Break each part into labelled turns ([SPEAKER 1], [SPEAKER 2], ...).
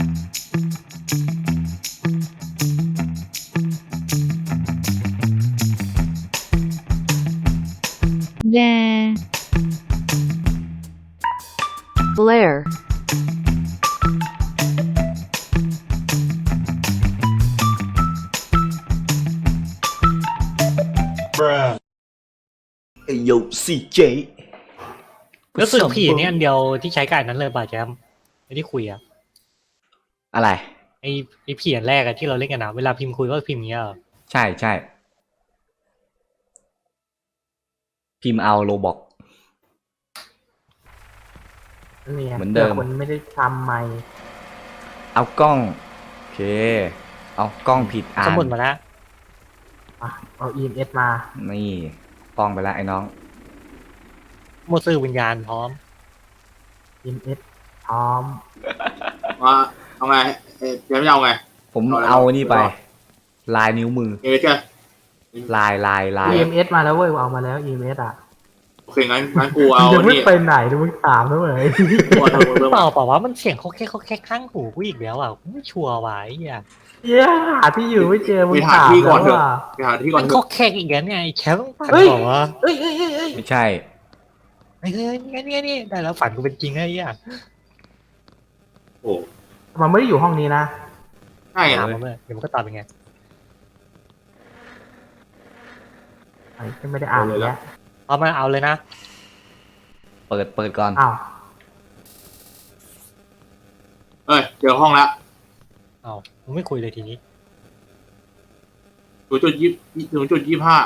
[SPEAKER 1] แด
[SPEAKER 2] Blair,
[SPEAKER 3] Yo CJ
[SPEAKER 4] รู้สึกผีนี่อันเดียวที่ใช้กับอันนั้นเลยป่ะแจมไอ้ที่คุยอะ
[SPEAKER 3] อะไร
[SPEAKER 4] ไอ้ผีอันแรกอะที่เราเล่นกันนะเวลาพิมพ์คุยก็พิมพ์อย่างเงี้ยเหรอ
[SPEAKER 3] ใช่ใช่พิมพ์เอาโลบอก
[SPEAKER 5] นี่ไง
[SPEAKER 3] เหมือนเดิม
[SPEAKER 5] คนไม่ได้ทำไม่
[SPEAKER 3] เอากล้องโอเคเอากล้องผิดอ่า
[SPEAKER 4] ส
[SPEAKER 3] น
[SPEAKER 4] มุดมาแล้ว
[SPEAKER 5] อ่ะเอา EMS มา
[SPEAKER 3] นี่กล้องไปแล้วไอ้น้อง
[SPEAKER 4] โมสื่อวิญญาณพร้อม
[SPEAKER 5] EMS พร้อม
[SPEAKER 6] ว่าเอาไงเดี๋ยวไม่เอาไง
[SPEAKER 3] ผม
[SPEAKER 6] เอาอะไร
[SPEAKER 3] เอานี่ไป
[SPEAKER 6] เอา
[SPEAKER 3] ลายนิ้วมือ
[SPEAKER 6] เอเจ้า
[SPEAKER 3] ลาย
[SPEAKER 5] EMS มาแล้วเว้ยเอามาแล้ว EMS อ่ะ
[SPEAKER 6] โอเคงั้นกูเอา
[SPEAKER 5] จะไม่
[SPEAKER 6] นี่
[SPEAKER 5] ไปไหนดูมึงถามนะเว้ย
[SPEAKER 6] กูเอาเรื่อง
[SPEAKER 4] เปล่าเปล่าว่ามันเสียงเขาแค่ข้างหูกูอีกแล้วอ่ะกูไม่ชัวร์ว่ะไอ้เหี้ย
[SPEAKER 5] เย้หาที่อยู่ไม่เจอมึ
[SPEAKER 6] ไป
[SPEAKER 5] ง
[SPEAKER 6] หา
[SPEAKER 5] ถาม
[SPEAKER 6] ที่ก่อน
[SPEAKER 5] แล้ว
[SPEAKER 6] เถอะ
[SPEAKER 5] อ่ะ
[SPEAKER 6] ไปหาที่ก่อ
[SPEAKER 4] มัน น
[SPEAKER 6] เถ
[SPEAKER 4] เขา
[SPEAKER 6] อะ
[SPEAKER 4] แค่อีกแล้วเนี่ยไอ้แชมป์ฝัน
[SPEAKER 5] เฮ้ย
[SPEAKER 4] บอกว่า
[SPEAKER 5] เอ้ย
[SPEAKER 3] ไม่ใช่
[SPEAKER 4] เฮ้ยนี่ได้แล้วฝันกูเป็นจริงไอ้เหี้ย
[SPEAKER 6] โอ้
[SPEAKER 5] มันไม่ได้อยู่ห้องนี้นะ
[SPEAKER 6] ใช่ไง
[SPEAKER 4] ถามมาเมื่อเดี๋ยวมันก็ตอบเป็นไง
[SPEAKER 5] ไอ้ไม่ได้อ่านเลย
[SPEAKER 4] เอามาเอาเลยนะ
[SPEAKER 3] เปิดก่อน
[SPEAKER 5] อ้าว
[SPEAKER 6] เจอห้องแล้ว
[SPEAKER 4] เอามึงไม่คุยเลยทีนี้
[SPEAKER 6] 0.25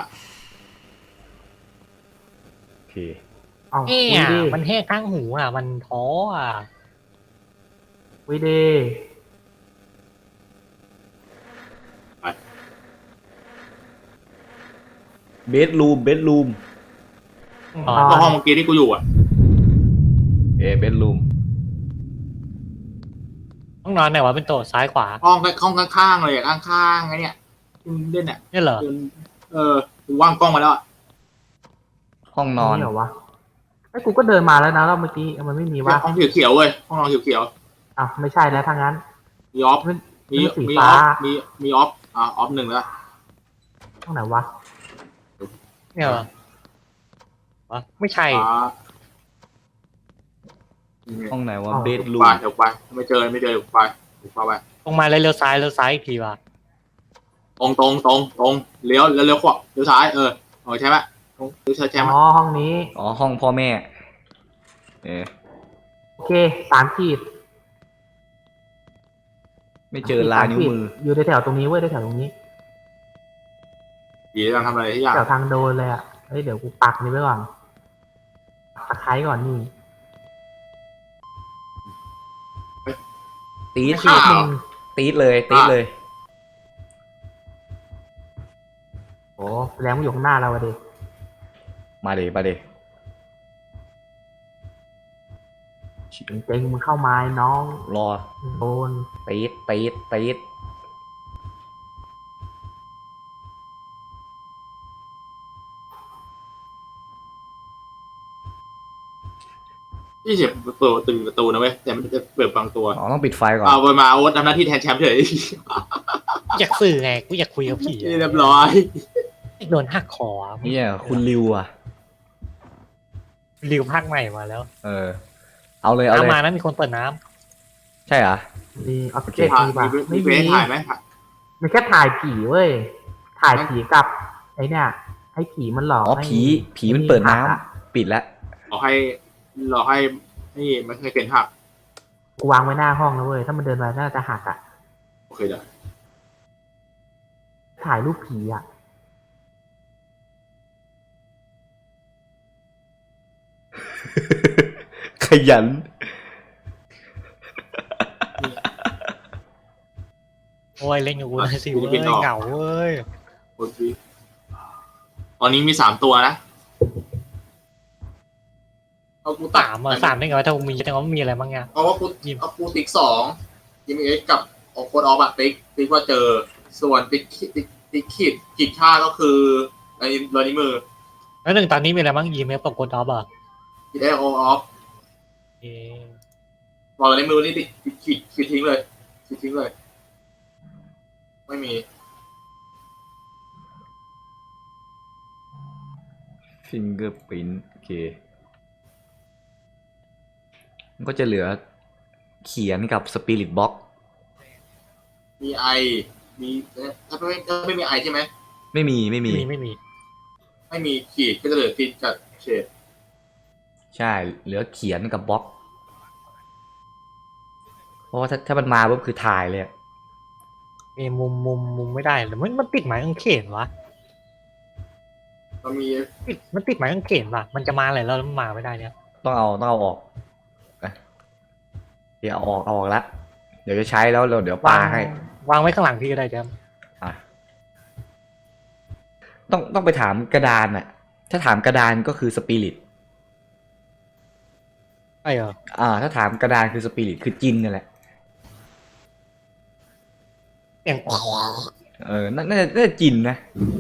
[SPEAKER 3] โอเค
[SPEAKER 5] อ้าว
[SPEAKER 4] เนี่
[SPEAKER 5] วิ
[SPEAKER 4] ย
[SPEAKER 5] ดี
[SPEAKER 4] มันแค่ข้างหูอ่ะมันท้ออ่ะ
[SPEAKER 5] วิดี
[SPEAKER 3] เบดรูม
[SPEAKER 4] อ๋อ
[SPEAKER 6] ก็ห้องเมื่อกี้ที่กูอยู่อ่ะ
[SPEAKER 3] เบดรูม
[SPEAKER 4] ห้องนอนไหนวะเป็นโต๊ะซ้ายขวา
[SPEAKER 6] ห้องข้างๆเลยข้างๆไงเนี่ยที่มึงเล่นเนี่ย
[SPEAKER 4] เนี่ยเหรอ
[SPEAKER 6] กูว่างกล้องมาแล้วอะ
[SPEAKER 3] ห้องนอน
[SPEAKER 5] เหรอวะไอ้กูก็เดินมาแล้วนะแล้วเมื่อกี้มันไม่มีว่า
[SPEAKER 6] ห้องเขียวๆเว้ยห้องนอนเขียว
[SPEAKER 5] อ้าวไม่ใช่แล้วทางนั้น
[SPEAKER 6] ๆมีออฟ
[SPEAKER 5] มัน
[SPEAKER 6] มี
[SPEAKER 5] มันสี
[SPEAKER 6] มีอ
[SPEAKER 5] ฟ้า
[SPEAKER 6] อฟมีออฟออฟหนึ่งแล้ว
[SPEAKER 5] ห้องไหนวะ
[SPEAKER 4] เนี่ยเหรอวะไม่ใช่
[SPEAKER 3] ห้องไหนวะ
[SPEAKER 5] อ๋อ
[SPEAKER 3] เบดรู
[SPEAKER 6] ไป
[SPEAKER 3] ม
[SPEAKER 6] เดี๋ยวไปไม่เจอไปไป
[SPEAKER 4] ตรงมาเลยเลี้ยวซ้ายอีกทีว่ะ
[SPEAKER 6] ตรงเลี้ยวขวาเลี้ยวซ้ายใช่ไหมเลี้ยวใช่ไหม
[SPEAKER 5] อ๋อห้องนี้
[SPEAKER 3] อ๋อห้องพ่อแม่
[SPEAKER 5] โอเค3 ขีด
[SPEAKER 3] ไม่เจอลายนิ้วมือ
[SPEAKER 5] อยู่ในแถวตรงนี้เว้ยในแถวตรงนี้
[SPEAKER 6] ผีกำลังทำอะไรที่อย่าง
[SPEAKER 5] แถวทางโดนเลยอ่ะเฮ้ยเดี๋ยวกูปักนี่ไว้ก่อนตะไคร้ก่อนนี่
[SPEAKER 3] ตีด
[SPEAKER 6] อ้าว
[SPEAKER 3] ตีดเลย
[SPEAKER 5] โอ้แสดงว่าอยู่ข้างหน้าเราอะดิ
[SPEAKER 3] มาเด
[SPEAKER 5] เจ๋งๆมึงเข้ามาไอ้น้อง
[SPEAKER 3] รอ
[SPEAKER 5] โดน
[SPEAKER 3] ตีด
[SPEAKER 6] ที่เสียเปิดประตูนะเว้ยแต่มันจะเปิดบางตัว
[SPEAKER 3] อ๋อต้องปิดไฟก่อน
[SPEAKER 6] เอาไปมาโอ๊ตทำหน้าที่แทนแชมป์เฉย
[SPEAKER 4] อยากสื่อไงกูอยากคุยกับผี
[SPEAKER 6] เรียบร้อย
[SPEAKER 4] โดนหักคอ
[SPEAKER 3] เนี่ยคุณริวอ่ะ
[SPEAKER 4] ริวภาคใหม่มาแล้ว
[SPEAKER 3] เอาเลย
[SPEAKER 4] น้ำมานะมีคนเปิดน้
[SPEAKER 3] ใช่เหรอ
[SPEAKER 5] ดีออฟ
[SPEAKER 3] โอเค
[SPEAKER 5] เจกต์
[SPEAKER 6] ถ่าย
[SPEAKER 5] ดีป่ะ
[SPEAKER 6] มี
[SPEAKER 5] ไม่
[SPEAKER 6] เฟ
[SPEAKER 5] มี
[SPEAKER 6] ซถ่ายไหม
[SPEAKER 5] มันแค่ถ่ายผีเว้ยถ่ายผีกับไอ้เนี่ยให้ผีมันหลอก
[SPEAKER 3] อ๋อ
[SPEAKER 5] ให้
[SPEAKER 3] ผีมันเปิดน้ำ
[SPEAKER 5] หักอะ
[SPEAKER 3] ปิดแล้ว
[SPEAKER 6] รอให้นี่มันเคยเกินหัก
[SPEAKER 5] กูวางไว้หน้าห้องแล้วเว้ยถ้ามันเดินมาน่าจะหักอ่ะ
[SPEAKER 6] โอเคเดี๋ยว
[SPEAKER 5] ถ่ายรูปผีอ่ะ
[SPEAKER 3] ขยัน
[SPEAKER 4] ำโอ้ยเล่นกับกูหน่อยสิเว้ยเหงาเว้ย
[SPEAKER 6] โอเคตอนนี้มี3 ตัวนะเอากูตัด
[SPEAKER 4] สามได้ไงวะถ้ากูมีแต่ว่ามีอะไรบ้างไง
[SPEAKER 6] เพราะว่ากูติ๊ก2ยิมเอ็กกับโคดออฟอะติ๊กว่าเจอส่วนติ๊กขีดค่าก็คือในรอยนิ้วมือ
[SPEAKER 4] แล้วหนึ่งตอนนี้มีอะไรบ้างยีเมลกับกดออฟอ่ะ
[SPEAKER 6] ขีดได้ออฟ
[SPEAKER 4] เอ๊ะ
[SPEAKER 6] รอยนิ้วมือนี่ขีดทิ้งเลยทิ้งเลย ไม่มี
[SPEAKER 3] ฟิงเกอร์พิ้นโอเคมันก็จะเหลือเขียนกับสปิริตบ็อก
[SPEAKER 6] มีไอ มีถ้าไม่มีไอใช่ไหม
[SPEAKER 3] ไม่มี
[SPEAKER 4] ไม่มี
[SPEAKER 6] ไม่มีขีดก็จะเหลือขีดกับเฉด
[SPEAKER 3] ใช่ เหลือเขียนกับบล็อก เพราะว่าถ้ามันมาปุ๊บคือถ่ายเลยอะ
[SPEAKER 4] มีมุมไม่ได้หรือมันติดหมายกางเขนวะ
[SPEAKER 6] มันมี
[SPEAKER 4] มันติดหมายกางเขนว่ะมันจะมาอะไรแล้วมันมาไม่ได้เนี่ย
[SPEAKER 3] ต้องเอาออกอ่ะเดี๋ยวเอาออกละเดี๋ยวจะใช้แล้วเดี๋ยวปาให้
[SPEAKER 4] วางไว้ข้างหลังพี่ก็ได้แจม
[SPEAKER 3] อ่ะต้องไปถามกระดานอ่ะ ถ้าถามกระดานก็คือสปิริต
[SPEAKER 4] ใช่เหรอ
[SPEAKER 3] ถ้าถามกระดานคือสปิริตคือจินนั่นแหละ
[SPEAKER 4] เสียง
[SPEAKER 3] น่าจะจินนะ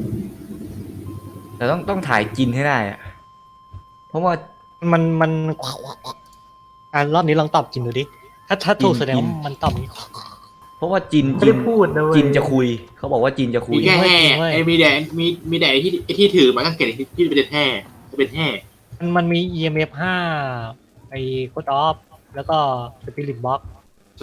[SPEAKER 3] แต่ต้องถ่ายจินให้ได้อะเพราะว่า
[SPEAKER 4] มันรอบนี้ลองตอบจริงดูดิถ้าถูกแสดง
[SPEAKER 3] กิน
[SPEAKER 4] ว่ามันตอบอย่างนี้
[SPEAKER 3] เพราะว่าจิน
[SPEAKER 5] ไม่ได้พูดนะเว้ย
[SPEAKER 3] จินจะคุย เขาบอกว่าจินจะคุย
[SPEAKER 6] มีแค่แห่ไอ้มีแดดมีแดดที่ถือมันก็เกิดที่เป็นแห่จะเป็นแห่
[SPEAKER 4] มันมี EMF 5ไอ้โคดออฟแล้วก็ Spirit Box
[SPEAKER 6] ใช่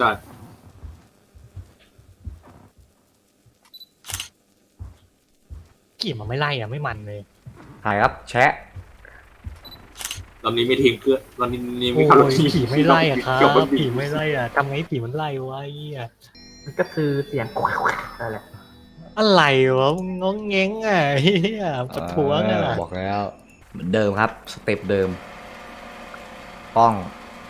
[SPEAKER 4] กี่มันไม่ไล่อ่ะไม่มันเลย
[SPEAKER 3] ถ่ายครับ แชะ
[SPEAKER 6] ตอนนี้ไม่ทิ้งเกลือตอนนี้
[SPEAKER 4] โอ้
[SPEAKER 6] ไม่ขับรถ
[SPEAKER 4] ยผีไม่ไล่อ่ะครับ
[SPEAKER 6] เกี่ยวกับ
[SPEAKER 4] ผีไม่ไล่อ่ะทำไงผีมันไล่วะไอ้เหี้ย
[SPEAKER 5] มันก็คือเสียงนั่นแหละ
[SPEAKER 4] อะไรวะมึงงงเง้งอ่ะเฮียประท้วงอ่ะ
[SPEAKER 3] บอกแล้วเหมือนเดิมครับ สเต็ปเดิม กล้อง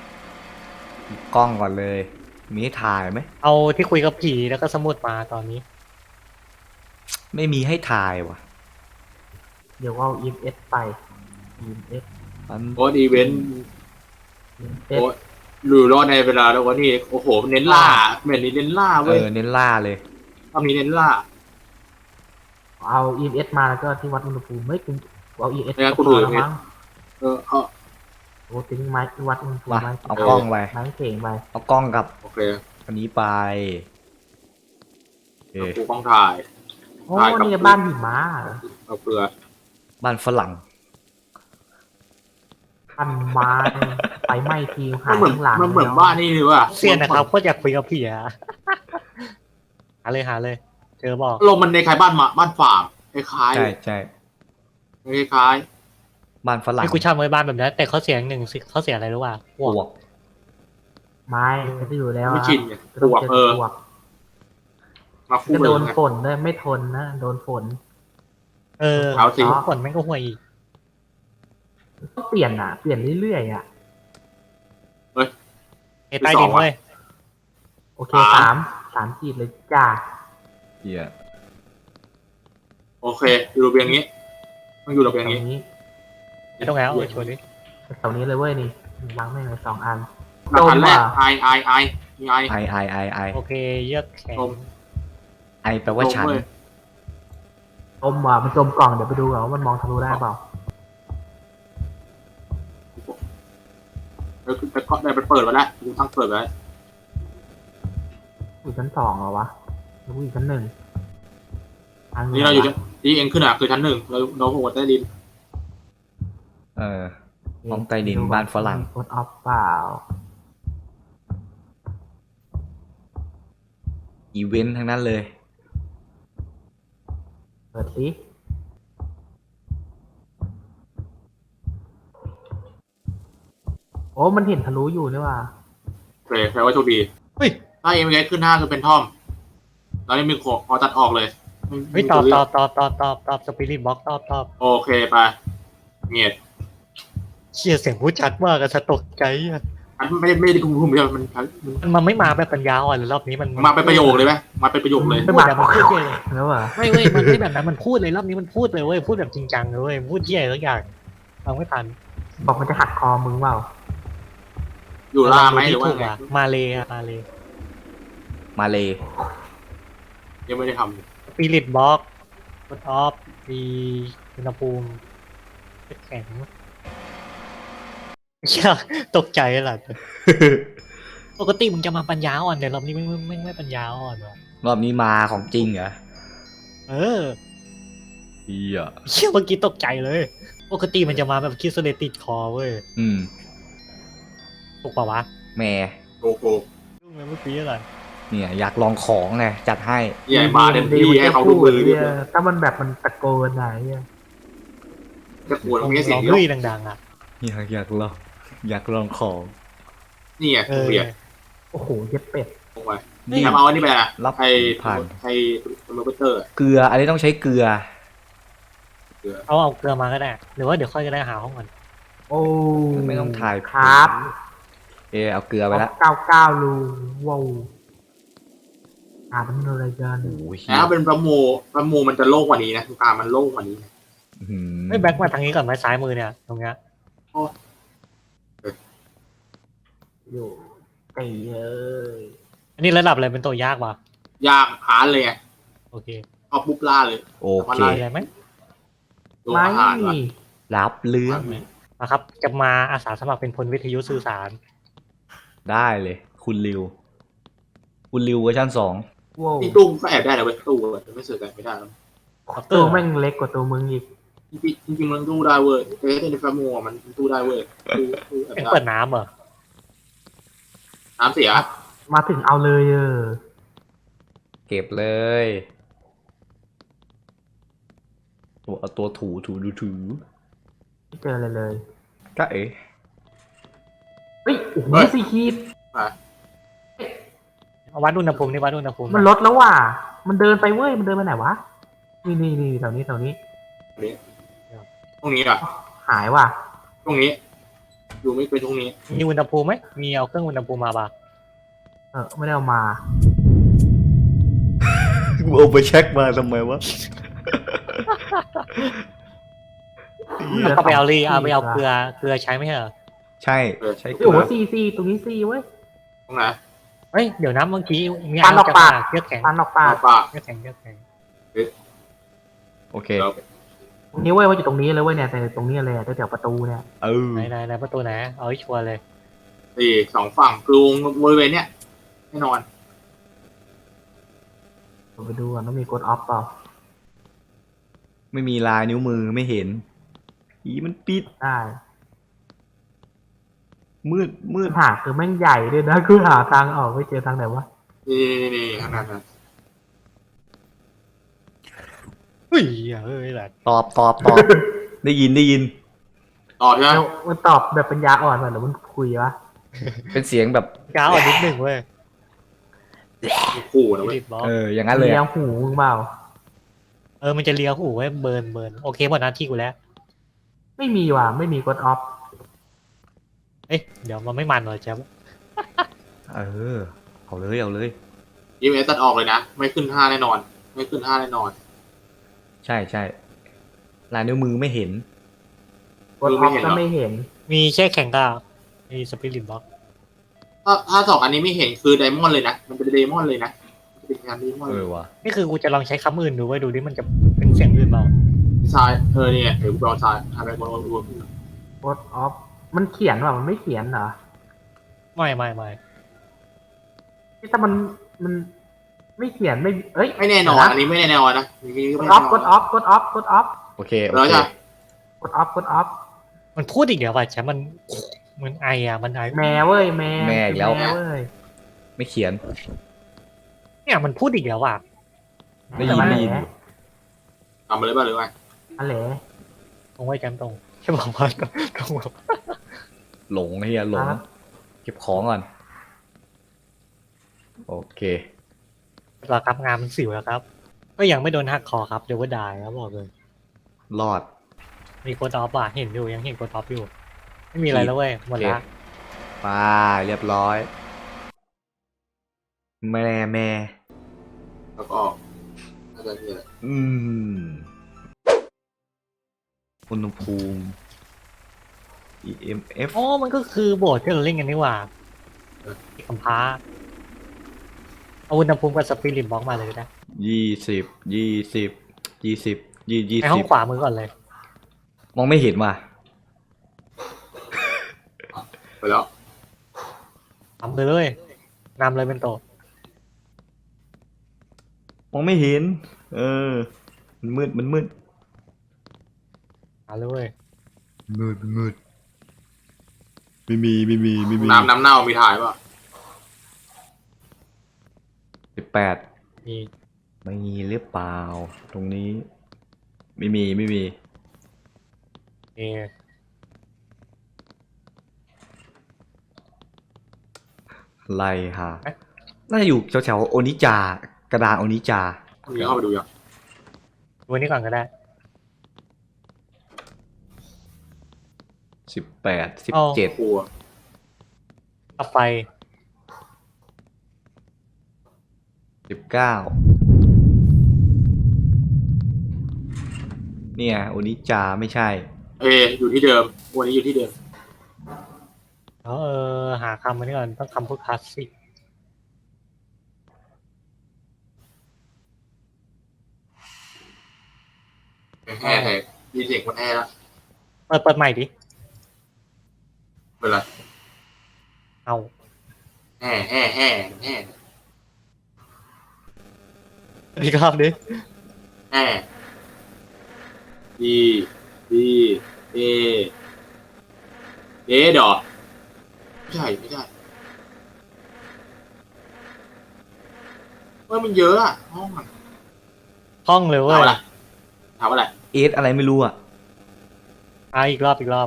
[SPEAKER 3] ก่อนเลย มีให้ถ่ายไหม
[SPEAKER 4] เอาที่คุยกับผีแล้วก็สมุดมาตอนนี้
[SPEAKER 3] ไม่มีให้ถ่ายว่ะ
[SPEAKER 5] เดี๋ยวเอา EMS ไป EMS
[SPEAKER 3] มัน
[SPEAKER 6] โอ้อีเวนต์
[SPEAKER 5] EMS
[SPEAKER 6] โอ้อยู่รอดในเวลาแล้ววันนี้โอ้โหเน้นล่าเหมือนนี้เน้นล่าเว้ย
[SPEAKER 3] เน้นล่าเลย
[SPEAKER 6] ตอนนี้เน้นล่า
[SPEAKER 5] เอา EMS มาแล้วก็ที่วัดอุณหภูมิไม่คุณเอา EMS
[SPEAKER 6] ไม่งั้น
[SPEAKER 5] ก็
[SPEAKER 6] กู
[SPEAKER 5] พอ
[SPEAKER 6] ถือ
[SPEAKER 5] แล้วมั้ง
[SPEAKER 6] เอา
[SPEAKER 5] โอ้ทิ้งไม้ที่วัดอุณหภูมิ
[SPEAKER 3] มา
[SPEAKER 5] ไม้
[SPEAKER 3] เอากล้องไป
[SPEAKER 5] ไม้เข่งไป
[SPEAKER 3] เอากล้องกับ
[SPEAKER 6] โอเค
[SPEAKER 3] อันนี้ไปโอเค
[SPEAKER 6] กูต้องถ่าย
[SPEAKER 5] โอ้
[SPEAKER 6] ถ่ายกับ
[SPEAKER 5] นี่บ้านหิมะเหรอ
[SPEAKER 6] เอาเกลือ
[SPEAKER 3] บ้านฝรั่ง
[SPEAKER 5] บ้านหิมะเนี่ยไฟไหม้ทีหา
[SPEAKER 6] มันเหมือน
[SPEAKER 5] ข้างหลัง
[SPEAKER 6] มันเหมือนบ้านนี่เลยว่ะ
[SPEAKER 4] เซียนนะครับโคตรอยากคุยกับผีอ่ะ หาเลย เจอบอก
[SPEAKER 6] ลมมันในคล้ายบ้านฝางคล้าย
[SPEAKER 3] ใช่ใช่
[SPEAKER 6] คล้าย
[SPEAKER 3] บ้านฝรั่ง
[SPEAKER 4] ไม่กูชอบไว้บ้านแบบนั้นแต่เขาเสียงหนึ่งสิเขาเสียอะไรรู้ป่ะพ
[SPEAKER 3] ป
[SPEAKER 4] วก
[SPEAKER 3] วก
[SPEAKER 5] ไม้ก็จะอยู่แล้ว
[SPEAKER 6] ไม่
[SPEAKER 5] อะ
[SPEAKER 6] ชินไง
[SPEAKER 5] ก็ต้อง
[SPEAKER 6] ปวก
[SPEAKER 5] เจอปวก
[SPEAKER 6] มาคู่
[SPEAKER 5] ก็
[SPEAKER 6] เล
[SPEAKER 5] โด
[SPEAKER 6] ย
[SPEAKER 5] น
[SPEAKER 6] ไง
[SPEAKER 5] ฝนด้วยไม่ทนนะโดนฝน
[SPEAKER 6] เอาสิ
[SPEAKER 4] ฝนแม่งก็ห่วยอีก
[SPEAKER 5] ต้องเปลี่ยนอ่ะเปลี่ยนเรื่อยๆอ่ะ
[SPEAKER 4] ไอ้ใต้ดินเว้ย
[SPEAKER 5] โอเคสามขีดเลยจ้า
[SPEAKER 3] เหี้ย
[SPEAKER 6] โอเคอยู่ระเบียงนี้ต้องอยู่ระเบียง
[SPEAKER 5] แถว
[SPEAKER 6] นี้
[SPEAKER 5] นี้
[SPEAKER 4] ไม่ต้องแล้วเอาชวนดิ
[SPEAKER 5] แถวนี้เลยเว้ยนี่วางไม่เลย2 อัน
[SPEAKER 6] หลักฐานแรก
[SPEAKER 5] จมว่ะ
[SPEAKER 6] ไอมีไอ
[SPEAKER 3] ไอ
[SPEAKER 4] โอเคเยือกแข็ง
[SPEAKER 6] จม
[SPEAKER 3] ไอแปลว่าฉัน
[SPEAKER 6] เว้ย
[SPEAKER 5] จมว่ะมันจมกล่องเดี๋ยวไปดูก่อนว่ามันมองทะลุได้เปล่า
[SPEAKER 6] แล้วแต่ก็ได้ไปเปิดไว้แล้วกูทั้งเปิดไว้
[SPEAKER 5] อยู่ชั้น2เหรอวะหรือว่าอยู่ชั้น1ทาง
[SPEAKER 6] นี่เราอยู่ที่เองขึ้นอ่ะคือชั้น 1เราหัวใต้ดิน
[SPEAKER 3] ห้องใต้ดินบ้านฝรั่ง
[SPEAKER 5] กดออฟเปล่า
[SPEAKER 3] อีเวนต์ทั้งนั้นเลย
[SPEAKER 5] เปิดสิโอ้มันเห็นทะลุอยู่นี่ว่ะ
[SPEAKER 6] โอเคแปลว่าโชคดี
[SPEAKER 4] เฮ้ย
[SPEAKER 6] ถ้าเอ็มเอขึ้น 5คือเป็นท่อมตอนนี้มีขอตัดออกเลย
[SPEAKER 4] เฮ้ยตอบสปิริตบ็อกตอบ
[SPEAKER 6] โอเคไปเงียบ
[SPEAKER 4] เชี่ยเสียงพูดชัดมากอะสะตกใจอะ
[SPEAKER 6] อันไม่ได้คุมเดียวมัน
[SPEAKER 4] ไม่มาแบบปัญญาอ่อนเลยรอบนี้มัน
[SPEAKER 6] มาเป็นประโยคเลยไหมมาเป็นประโยคเลย
[SPEAKER 4] พูดแบบมันพูดเลย
[SPEAKER 5] แล้วอ่ะ
[SPEAKER 4] ไม่เว้ยมันไม่แบบนั้นมันพูดเลยรอบนี้มันพูดเลยเว้ยพูดแบบจริงจังเลยเว้ยพูดเที่ยทุกอย่างฟังไม่ทัน
[SPEAKER 5] บอกมันจะหักคอมึงเปล่า
[SPEAKER 6] อยู่ล่าไหมหรือว่าไง
[SPEAKER 4] มาเลยอะมาเลย
[SPEAKER 3] มาเลย
[SPEAKER 6] ยังไม่ได้ท
[SPEAKER 4] สปิริตบ็อกกดออฟมีอุณหภูมิแข็งเชี่ยตกใจหล่ะปกติมึงจะมาปัญญาอ่อนแต่รอบนี้ไม่ปัญญาอ่อนว่ะ
[SPEAKER 3] รอบนี้มาของจริงเหรอ
[SPEAKER 4] เออ
[SPEAKER 3] เฮีย
[SPEAKER 4] เชี่ยเมื่อกี้ตกใจเลย ปกติมันจะมาแบบคิดสเลติดคอเว้ย
[SPEAKER 3] อืม
[SPEAKER 4] ถูกป่าวะ
[SPEAKER 3] แม่
[SPEAKER 6] โอ้โห
[SPEAKER 4] ยุ่งเลยเมื่อกี้อะไร
[SPEAKER 3] เนี่ยอยากลองของไงจัดให้
[SPEAKER 6] ใหญ่มาเต็มที่ให้เขาดูมือ
[SPEAKER 5] เนี่ยถ้ามันแบบมันตะโกนไหนเนี่ย
[SPEAKER 6] จะปวดตรงนี้เสี
[SPEAKER 4] ล
[SPEAKER 6] ย
[SPEAKER 4] อง ง
[SPEAKER 6] เดียว
[SPEAKER 4] ลุยดังๆอ่ะ
[SPEAKER 3] อยากลองของ
[SPEAKER 6] นี่ไง
[SPEAKER 4] เอ
[SPEAKER 6] ผม
[SPEAKER 4] อ
[SPEAKER 6] เรียน
[SPEAKER 5] โอ้โหเย็ดเป็ด
[SPEAKER 6] ลงไปนี่เอาอันนี้ไปนะ
[SPEAKER 3] รับ
[SPEAKER 6] ไอ้
[SPEAKER 3] ผ่าน
[SPEAKER 6] ไอ้โรเบเตอร์
[SPEAKER 3] เกลือ อันนี้ต้องใช้เกลือ
[SPEAKER 4] เอาเกลือมาก็ได้ หรือว่าเดี๋ยวค่อยจะได้หาห้องก่อน
[SPEAKER 5] โอ้
[SPEAKER 3] ไม่ต้องถ่าย
[SPEAKER 5] ครับ
[SPEAKER 3] เอาเกลือไปละ
[SPEAKER 5] 99รูว้าวมันอะไรกัน
[SPEAKER 3] โอ้ย
[SPEAKER 6] แล้วเป็นประโมมันจะโล่งกว่านี้นะทุกการมันโล่งกว่านี้นะ
[SPEAKER 4] ไม่แบ็คมาทางนี้ก่อนไหมซ้ายมือเนี่ยตรงเนี้ย
[SPEAKER 5] อยู่ไอ้เอ้ย
[SPEAKER 4] อันนี้ระดับอะไรเป็นตัวยากวะ
[SPEAKER 6] ยากหาเลยไง
[SPEAKER 4] โอเค
[SPEAKER 6] เอาปุ๊บล่าเลย
[SPEAKER 3] โอเค
[SPEAKER 4] มีอะไรไหม
[SPEAKER 6] ตัว
[SPEAKER 5] ไม่
[SPEAKER 6] อาหารว่ะ
[SPEAKER 3] รับเรื่อง
[SPEAKER 4] นะครับจะมาอาสาสมัครเป็นพลวิทยุสื่อสาร
[SPEAKER 3] ได้เลย คุณริว คุณริวเวอร์ชัน2
[SPEAKER 5] ว้าว
[SPEAKER 6] นี่ตู้ก็แอบได้นะเว้ยตู้แต่ไม่เสือกแอบไม่ได้แล้ว
[SPEAKER 5] ตัวแม่งเล็กกว่าตัวมึงอีก
[SPEAKER 6] จริงๆมันตู้ได้เว้ยแต่ในประโมมันตู้ได้เว้ยตู้แอบ
[SPEAKER 4] เป็น
[SPEAKER 6] ได้
[SPEAKER 4] เปิดน้ำเหรอ
[SPEAKER 6] น้ำเสีย
[SPEAKER 5] มาถึงเอาเลย
[SPEAKER 3] เก็บเลยเอาตัวถู
[SPEAKER 5] ไม่เจออะไรเลย
[SPEAKER 3] ก็เอ๋
[SPEAKER 5] เฮ้ยโอ้โหสี่ขีด
[SPEAKER 4] เอาวัดอุณหภูมินี่วัดอุณหภูมิ
[SPEAKER 5] มันลดแล้วว่ะมันเดินไปเว้ยมันเดินไปไหนวะนี่แถวนี้
[SPEAKER 6] ตรงนี้อ่ะ
[SPEAKER 5] หายว่ะ
[SPEAKER 6] ตรงนี้ดูไม่เป็นตรงนี้
[SPEAKER 4] มีอุณหภูมิไหมมีเอาเครื่องอุณหภูมิมาปะ
[SPEAKER 5] ไม่ได้เอามา
[SPEAKER 3] กูเอาไปเช็คมาทำไมวะ
[SPEAKER 4] ก็ไปเอาเอาไปเอาเกลือใช้ไหมเหรอ
[SPEAKER 3] ใช่ ใช้เกลื
[SPEAKER 5] โอ้โห
[SPEAKER 3] อ
[SPEAKER 5] ซีตรงนี้ซีเว้ย
[SPEAKER 6] ตรงไหน
[SPEAKER 4] เฮ้ยเดี๋ยวนะเมื่อกี้มี
[SPEAKER 5] ฟันออกปาก
[SPEAKER 4] เลือดแข็ง
[SPEAKER 5] ฟันออกปาก
[SPEAKER 6] ปาก
[SPEAKER 4] เลือดแข็งเลือดแข็ง
[SPEAKER 3] โอเค
[SPEAKER 6] แล้ว
[SPEAKER 5] ตรงนี้เว้ยว่าอยู่ตรงนี้เลยเว้ยเนี่ยแต่ตรงนี้เลยแถวประตูเนี่ย
[SPEAKER 4] ไหนประตูไหนเอาให้ชัวร์เลย
[SPEAKER 6] สี่สองฝั่งกรุงบริเวณเนี้ยแน่นอน
[SPEAKER 5] ผมไปดูก่อนว่ามีกดออฟเปล่า
[SPEAKER 3] ไม่มีลายนิ้วมือไม่เห็นอีมันปิด
[SPEAKER 5] ได้
[SPEAKER 3] มืด
[SPEAKER 5] หาคือแม่งใหญ่ด้วยนะคือหาทางออกไม่เจอทางไหนวะ
[SPEAKER 6] นี่ขนาดนั้น
[SPEAKER 4] เฮ้ยแหละ
[SPEAKER 3] ตอบ ได้ยิน
[SPEAKER 6] ต่อใช่ไหม
[SPEAKER 5] แล้วมันตอบแบบปัญญาอ่อนว่ะหรือมันคุยวะ
[SPEAKER 3] เป็นเสียงแบบ
[SPEAKER 4] ก้าวอ่อนนิดหนึ่งเว้ย
[SPEAKER 6] ขู่นะเว้ย
[SPEAKER 4] ดิบล็อก
[SPEAKER 3] อย่างนั้นเลย
[SPEAKER 5] เลี้ย
[SPEAKER 3] อะ
[SPEAKER 5] งหูมึงเปล่า
[SPEAKER 4] มันจะเลียหูไว้เบิร์นโอเคหมดหน้าที่กูแล้ว
[SPEAKER 5] ไม่มีว่ะไม่มีกดออฟ
[SPEAKER 4] เอ้ยเดี๋ยวมันไม่มันเลยแจ๊บ
[SPEAKER 3] เอาเลย
[SPEAKER 6] ยิมเอสตัดออกเลยนะ ไม่ขึ้น5แน่นอน ไม่ขึ้น5แน่นอน
[SPEAKER 3] ใช่ลายนิ้วมือไม่เห็น
[SPEAKER 5] กดออฟก็ไม่เห็น
[SPEAKER 4] มีแช่แข็งกับมีสปิริตบล็อก
[SPEAKER 6] ถ้าสองอันนี้ไม่เห็นคือไดมอนด์เลยนะ มันเป็นไดมอนด์เลยนะเป็นงานไดมอนด์เลย
[SPEAKER 3] ว่ะ
[SPEAKER 4] นี่คือกูจะลองใช้คำอื่นดูไว้ดูดิมันจะเป็นเสียงอื่นเปล่า
[SPEAKER 6] ทรายเนี่ยเดี๋ยวกูรอทรายทำไปบนรวม
[SPEAKER 5] กดออฟมันเขียนว่ะมันไม่เขียนเหรอ
[SPEAKER 4] ไม่
[SPEAKER 5] ที่ถ้ามันไม่เขียนไม่เอ้ย
[SPEAKER 6] ไม่แน่นอน อันนี้ไม่แน่นอนนะ
[SPEAKER 5] กดออฟกดออฟ
[SPEAKER 3] โอเค
[SPEAKER 6] แล้วจ้ะ
[SPEAKER 5] กดออฟ
[SPEAKER 4] มันพูดอีกเดี๋ยวว่ะแจ๊บมันไอมันไอ
[SPEAKER 5] แม่เว้ยแม่
[SPEAKER 3] แม่อีกแล้ว
[SPEAKER 5] แม่เว้ย
[SPEAKER 3] ไม่เขียน
[SPEAKER 4] เนี่ยมันพูดอีกแล้วว่ะ
[SPEAKER 3] ได้ยิน
[SPEAKER 6] ทำมาเลยป่ะหรือไง
[SPEAKER 5] อะไร
[SPEAKER 4] ตรงไว้แจ๊บตรงแค่บอกว่าตรง
[SPEAKER 3] หลงเฮียหลง เก็บของก่อน โอเค
[SPEAKER 4] เราครับงานมันสิวแล้วครับ ก็ยังไม่โดนหักคอครับเดี๋ยวว่าได้ครับบอกเลย
[SPEAKER 3] รอด
[SPEAKER 4] มีโคตอฟอ่ะเห็นอยู่ยังเห็นโคตอฟอยู่ ไม่มีอะไรแล้วเว้ยหมดละ
[SPEAKER 3] ไปเรียบร้อย แม่
[SPEAKER 6] แล้วก็น่าจะมีอะไร
[SPEAKER 3] อุณหภูมิ EMF
[SPEAKER 4] อ๋อมันก็คือโบสถ์ที่เราเล่นกันนี่หว่าคำพ้าเอาอุณหภูมิกับสปิริตบล็อกมาเลยก็ได้
[SPEAKER 3] 20
[SPEAKER 4] ในห้องขวามือก่อนเลย
[SPEAKER 3] มองไม่เห็นว่ะ
[SPEAKER 6] ไปแล้ว
[SPEAKER 4] ทำเลยนำเลยเป็นโต
[SPEAKER 3] มองไม่เห็น เออ มันมืด มันมืด
[SPEAKER 4] หาเลยเว้ย
[SPEAKER 3] มืด มันมืด ไม่มี ไม่มี ไม่มี
[SPEAKER 6] น้ำเน่ามีถ่ายป่ะ
[SPEAKER 3] 18
[SPEAKER 4] มี
[SPEAKER 3] ไม่มีหรือเปล่า ตรงนี้ ไม่มี ไม่มี
[SPEAKER 4] เอ
[SPEAKER 3] ไล่หาน่าจะอยู่แถวๆโอนิจา กระดานโอนิจา
[SPEAKER 6] มีเข้าไปดูยัง
[SPEAKER 4] วันนี้ก่อนก็ได้
[SPEAKER 3] 18
[SPEAKER 4] เอา
[SPEAKER 3] 17
[SPEAKER 6] กลัว
[SPEAKER 4] กลับไป
[SPEAKER 3] 19เนี่ยโอนิจาไม่ใช่
[SPEAKER 6] อยู่ที่เดิมวันนี้อยู่ที่เดิม
[SPEAKER 4] แล้วหาคำมานี่ก่อนต้องคำพูดคลาสสิก
[SPEAKER 6] แห่แห่ยินเสียงคนแห่แล้ว
[SPEAKER 4] เปิดใหม่ดิ
[SPEAKER 6] เป็นไร
[SPEAKER 4] เอา
[SPEAKER 6] แห่แห่แห่แห่
[SPEAKER 4] อีกรอบดิ
[SPEAKER 6] แห่ดีดีเอดอไม่ใช่ไม่ใช่มันเยอะอะห้องอะ
[SPEAKER 4] ห้องเลยเว้
[SPEAKER 6] ถาม
[SPEAKER 4] ย
[SPEAKER 6] อะไรถามอะไร
[SPEAKER 3] เอสอะไรไม่รู้อ่ะ
[SPEAKER 4] อีกรอบอีกรอบ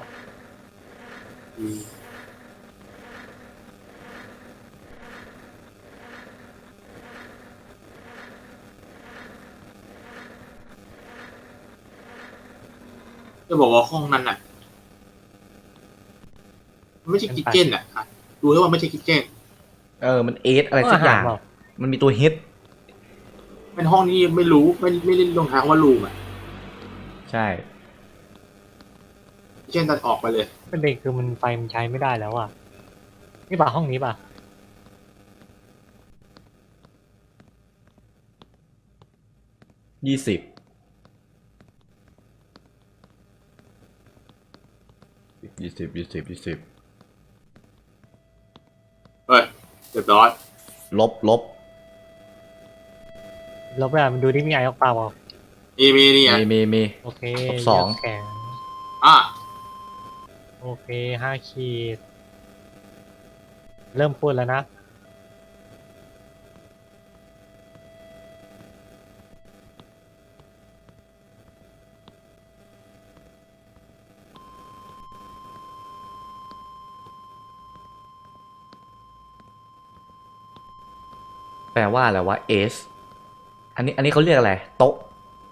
[SPEAKER 6] จะบอกว่าห้องนั้นน่ะมันไม่ใช่คิทเก้นอ่ะดูแล้วว่าไม่ใช่คิทเก้น
[SPEAKER 3] เออ มันเอสอะไรสักอย่าง
[SPEAKER 4] เปล่
[SPEAKER 3] มันมีตัวเฮด
[SPEAKER 6] เป็นห้องนี้ไม่รู้ไม่ได้ลงทางว่ารูมอ่ะ
[SPEAKER 3] ใช่
[SPEAKER 6] เช่นตัดออกไปเลย
[SPEAKER 4] เป็นเด็กคือมันไฟมันใช้ไม่ได้แล้วอ่ะ นี่ป่ะห้องนี้ป่ะ
[SPEAKER 3] 20 20
[SPEAKER 6] เฮ้ยเรียบร้อย
[SPEAKER 3] ลบ
[SPEAKER 4] ลบไปอ่ะมันดูที่มีไอออกเปล่าเปล่า
[SPEAKER 6] มีนี่ไง
[SPEAKER 3] มี
[SPEAKER 4] โอเค
[SPEAKER 3] ลบสอง
[SPEAKER 4] เลืกแข็ง
[SPEAKER 6] อ่ะ
[SPEAKER 4] โอเค5 ขีด เริ่มพูดแล้วนะ
[SPEAKER 3] แปลว่าอะไรวะเอส อันนี้เขาเรียกอะไร โต๊ะ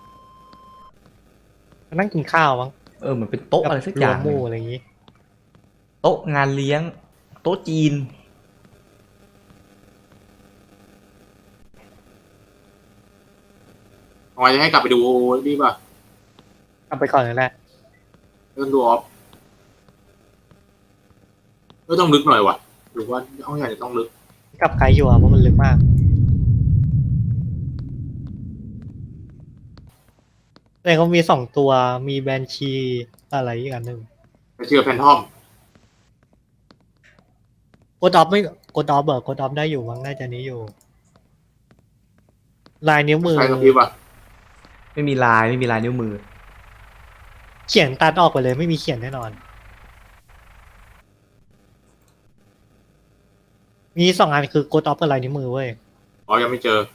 [SPEAKER 4] นั่งกินข้าวมั้ง
[SPEAKER 3] เออเหมือนเป็นโต๊ะอะไรสักอย่าง
[SPEAKER 4] รวมหมู่อะไรอย่างงี้
[SPEAKER 3] โต๊ะงานเลี้ยง โต๊ะจีน
[SPEAKER 6] ทำไมจะให้กลับไปดูนี่ป่ะ
[SPEAKER 4] เอาไปก่อนเลยแหละ
[SPEAKER 6] เรื่องดูออฟก็ต้องลึกหน่อยว่ะหรือว่าห้องใหญ่จะต้องลึก
[SPEAKER 4] กับไกด์อยู่อ่ะเพราะมันลึกมาก แต่เขามี2 ตัว มีแบนชีอะไรอีกอันหนึ่ง
[SPEAKER 6] ไปเชื่อแพนทอม
[SPEAKER 4] โกดอฟไม่โกดอฟโกดอฟได้อยู่มั้งน่าจะนี้อยู่ ลายนิ้วมือ
[SPEAKER 6] ใครกับพี่ป่ะ
[SPEAKER 3] ไม่มีลายนิ้วมือ
[SPEAKER 4] เขียนตัดออกไปเลยไม่มีเขียนแน่นอน มี2 อันคือโกดอฟกับลายนิ้วมือเว้ย
[SPEAKER 6] อ๋อยังไม่เจอ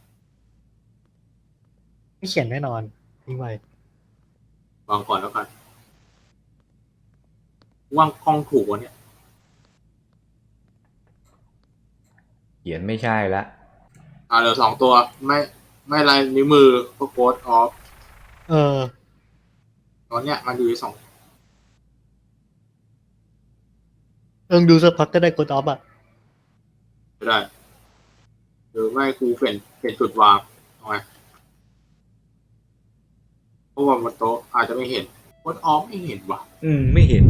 [SPEAKER 4] ไม่เขียนแน่นอนทิ้งไว้
[SPEAKER 6] วางก่อนแล้วกันวางกล้องถูกวะเนี่ย
[SPEAKER 3] เขียนไม่ใช่ละ
[SPEAKER 6] เหลือ2 ตัวไม่ลายนิ้วมือก็โค้ดออฟ
[SPEAKER 4] เออ
[SPEAKER 6] ตอนเนี้ยมันอยู่ที่2
[SPEAKER 4] ดูสักพักก็ได้โกดอฟอ่ะ
[SPEAKER 6] จะได้หรือไม่ครูเปลี่ยนจุดวางเอาไงเพราะว่าบนโต๊ะอาจจะไม่เห็นโค้ดออฟไม่เห็นว่ะ
[SPEAKER 3] ไม่เห็น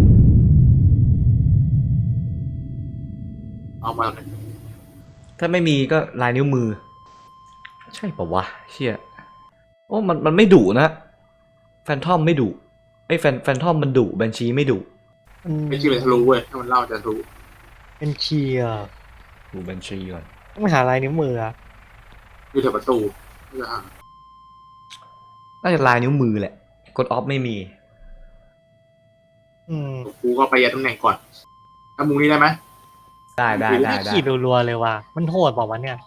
[SPEAKER 6] เอามาเลย
[SPEAKER 3] ถ้าไม่มีก็ลายนิ้วมือ ใช่ปะวะ เชี่ยโอ้มันไม่ดุนะ แฟนทอมไม่ดุไอ้แฟนทอมมันดุแบนชีไม่ดุ
[SPEAKER 6] ไม่คิดเลยทะลุเว้ยถ้ามันเล่าจะทะลุ
[SPEAKER 4] เป็นเชียร์
[SPEAKER 3] ดูบัญชีก่อน
[SPEAKER 4] ต้องไปหาลายนิ้วมืออะ
[SPEAKER 6] อยู่แถวประตูไม่ได้หา
[SPEAKER 3] น่าจะลายนิ้วมือแหละกดออฟไม่มี
[SPEAKER 4] อืม
[SPEAKER 6] กูก็ไปยัดตำแหน่งก่อนถ้ามุงนี้ได้ไหม
[SPEAKER 3] ได้ได้ได้
[SPEAKER 4] ไม่
[SPEAKER 3] ได้
[SPEAKER 4] ขีดรัวๆเลยว่ะมันโหดเปล่าวะเนี่ย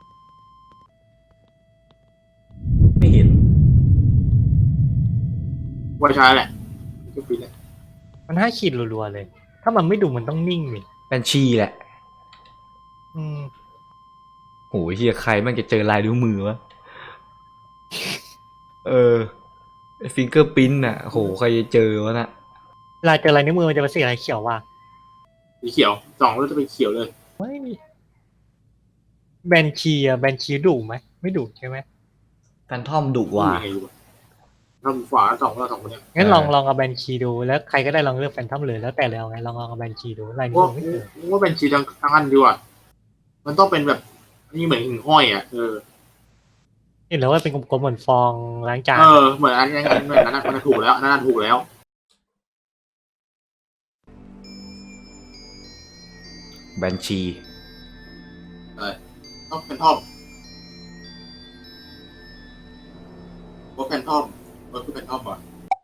[SPEAKER 3] ไม่เห็น
[SPEAKER 6] ว่าใช้แหละก็ปิดแหละ
[SPEAKER 4] มัน5 ขีดรัวๆเลย ถ้ามันไม่ดุมันต้องนิ่งนี่
[SPEAKER 3] บัญชีแหละ
[SPEAKER 4] อืม
[SPEAKER 3] โหเฮียใครมันจะเจอลายนิ้วมือวะฟิงเกอร์ปิ้นอ่ะโหใครจะเจอวะน่ะ
[SPEAKER 4] เวลาเจอลายนิ้วมือมันจะเป็นสีอะไรเขียวว่ะ
[SPEAKER 6] สีเขียวสองแล้วจะเป็นเขียวเลย
[SPEAKER 4] ไม่มีแบนชีอะแบนชีดุไหมไม่ดุใช่ไหม
[SPEAKER 3] แฟนทอมดุว่ะ
[SPEAKER 6] ยังไงอยู่อะเราฝาสองเราสองคนเนี้ย
[SPEAKER 4] งั้นลองเอาแบนชีดูแล้วใครก็ได้ลองเลือกแฟนทอมเลยแล้วแต่เลยเอาไงลองเอาแบนชีดูลายนิ้ว
[SPEAKER 6] ว่า
[SPEAKER 4] มือไม่เจอ
[SPEAKER 6] ว่าเป็นชีทั้งอันดีกว่ามันต้องเป็นแบบนี่เหมือนหิ่งห้อยอ่ะ
[SPEAKER 4] เห็นแล้วว่าเป็นกลมๆเหมือนฟองล้างจาน
[SPEAKER 6] เหมือนอันนี้เหมือนนั้นมันถูกแล้วนั่นถูกแล้ว
[SPEAKER 3] บัญชี
[SPEAKER 6] ต้องเป็นทอมว่าเป็นทอมว่าคือเป็นทอมว่ะ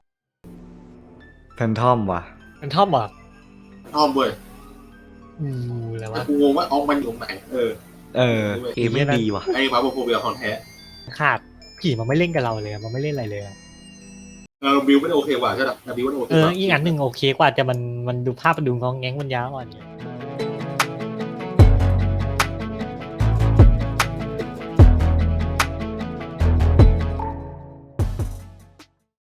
[SPEAKER 3] แฟนทอมว่ะ
[SPEAKER 4] เป็นทอมเหรอ
[SPEAKER 6] ทอมเว้ย
[SPEAKER 4] อะไร
[SPEAKER 6] แต่
[SPEAKER 4] วะ
[SPEAKER 6] กูงงว่าออกมันอยู่ตรงไหน
[SPEAKER 3] เกมไม่ดีว่ะ
[SPEAKER 6] ไอ้มาโฟเบียของแท้
[SPEAKER 4] ขาดผีมันไม่เล่นกับเราเลยอะมันไม่เล่นอะไรเลยอะ
[SPEAKER 6] บิวไม่ได้โอเคกว่าใช่ไหมบิวไม่ได้โอเค
[SPEAKER 4] เอก อ
[SPEAKER 6] ว่า
[SPEAKER 4] อีกอันหนึ่งโอเคกว่าแต่มันดูภาพมันดูงองแงงมันยาวอ่อนเนี่ย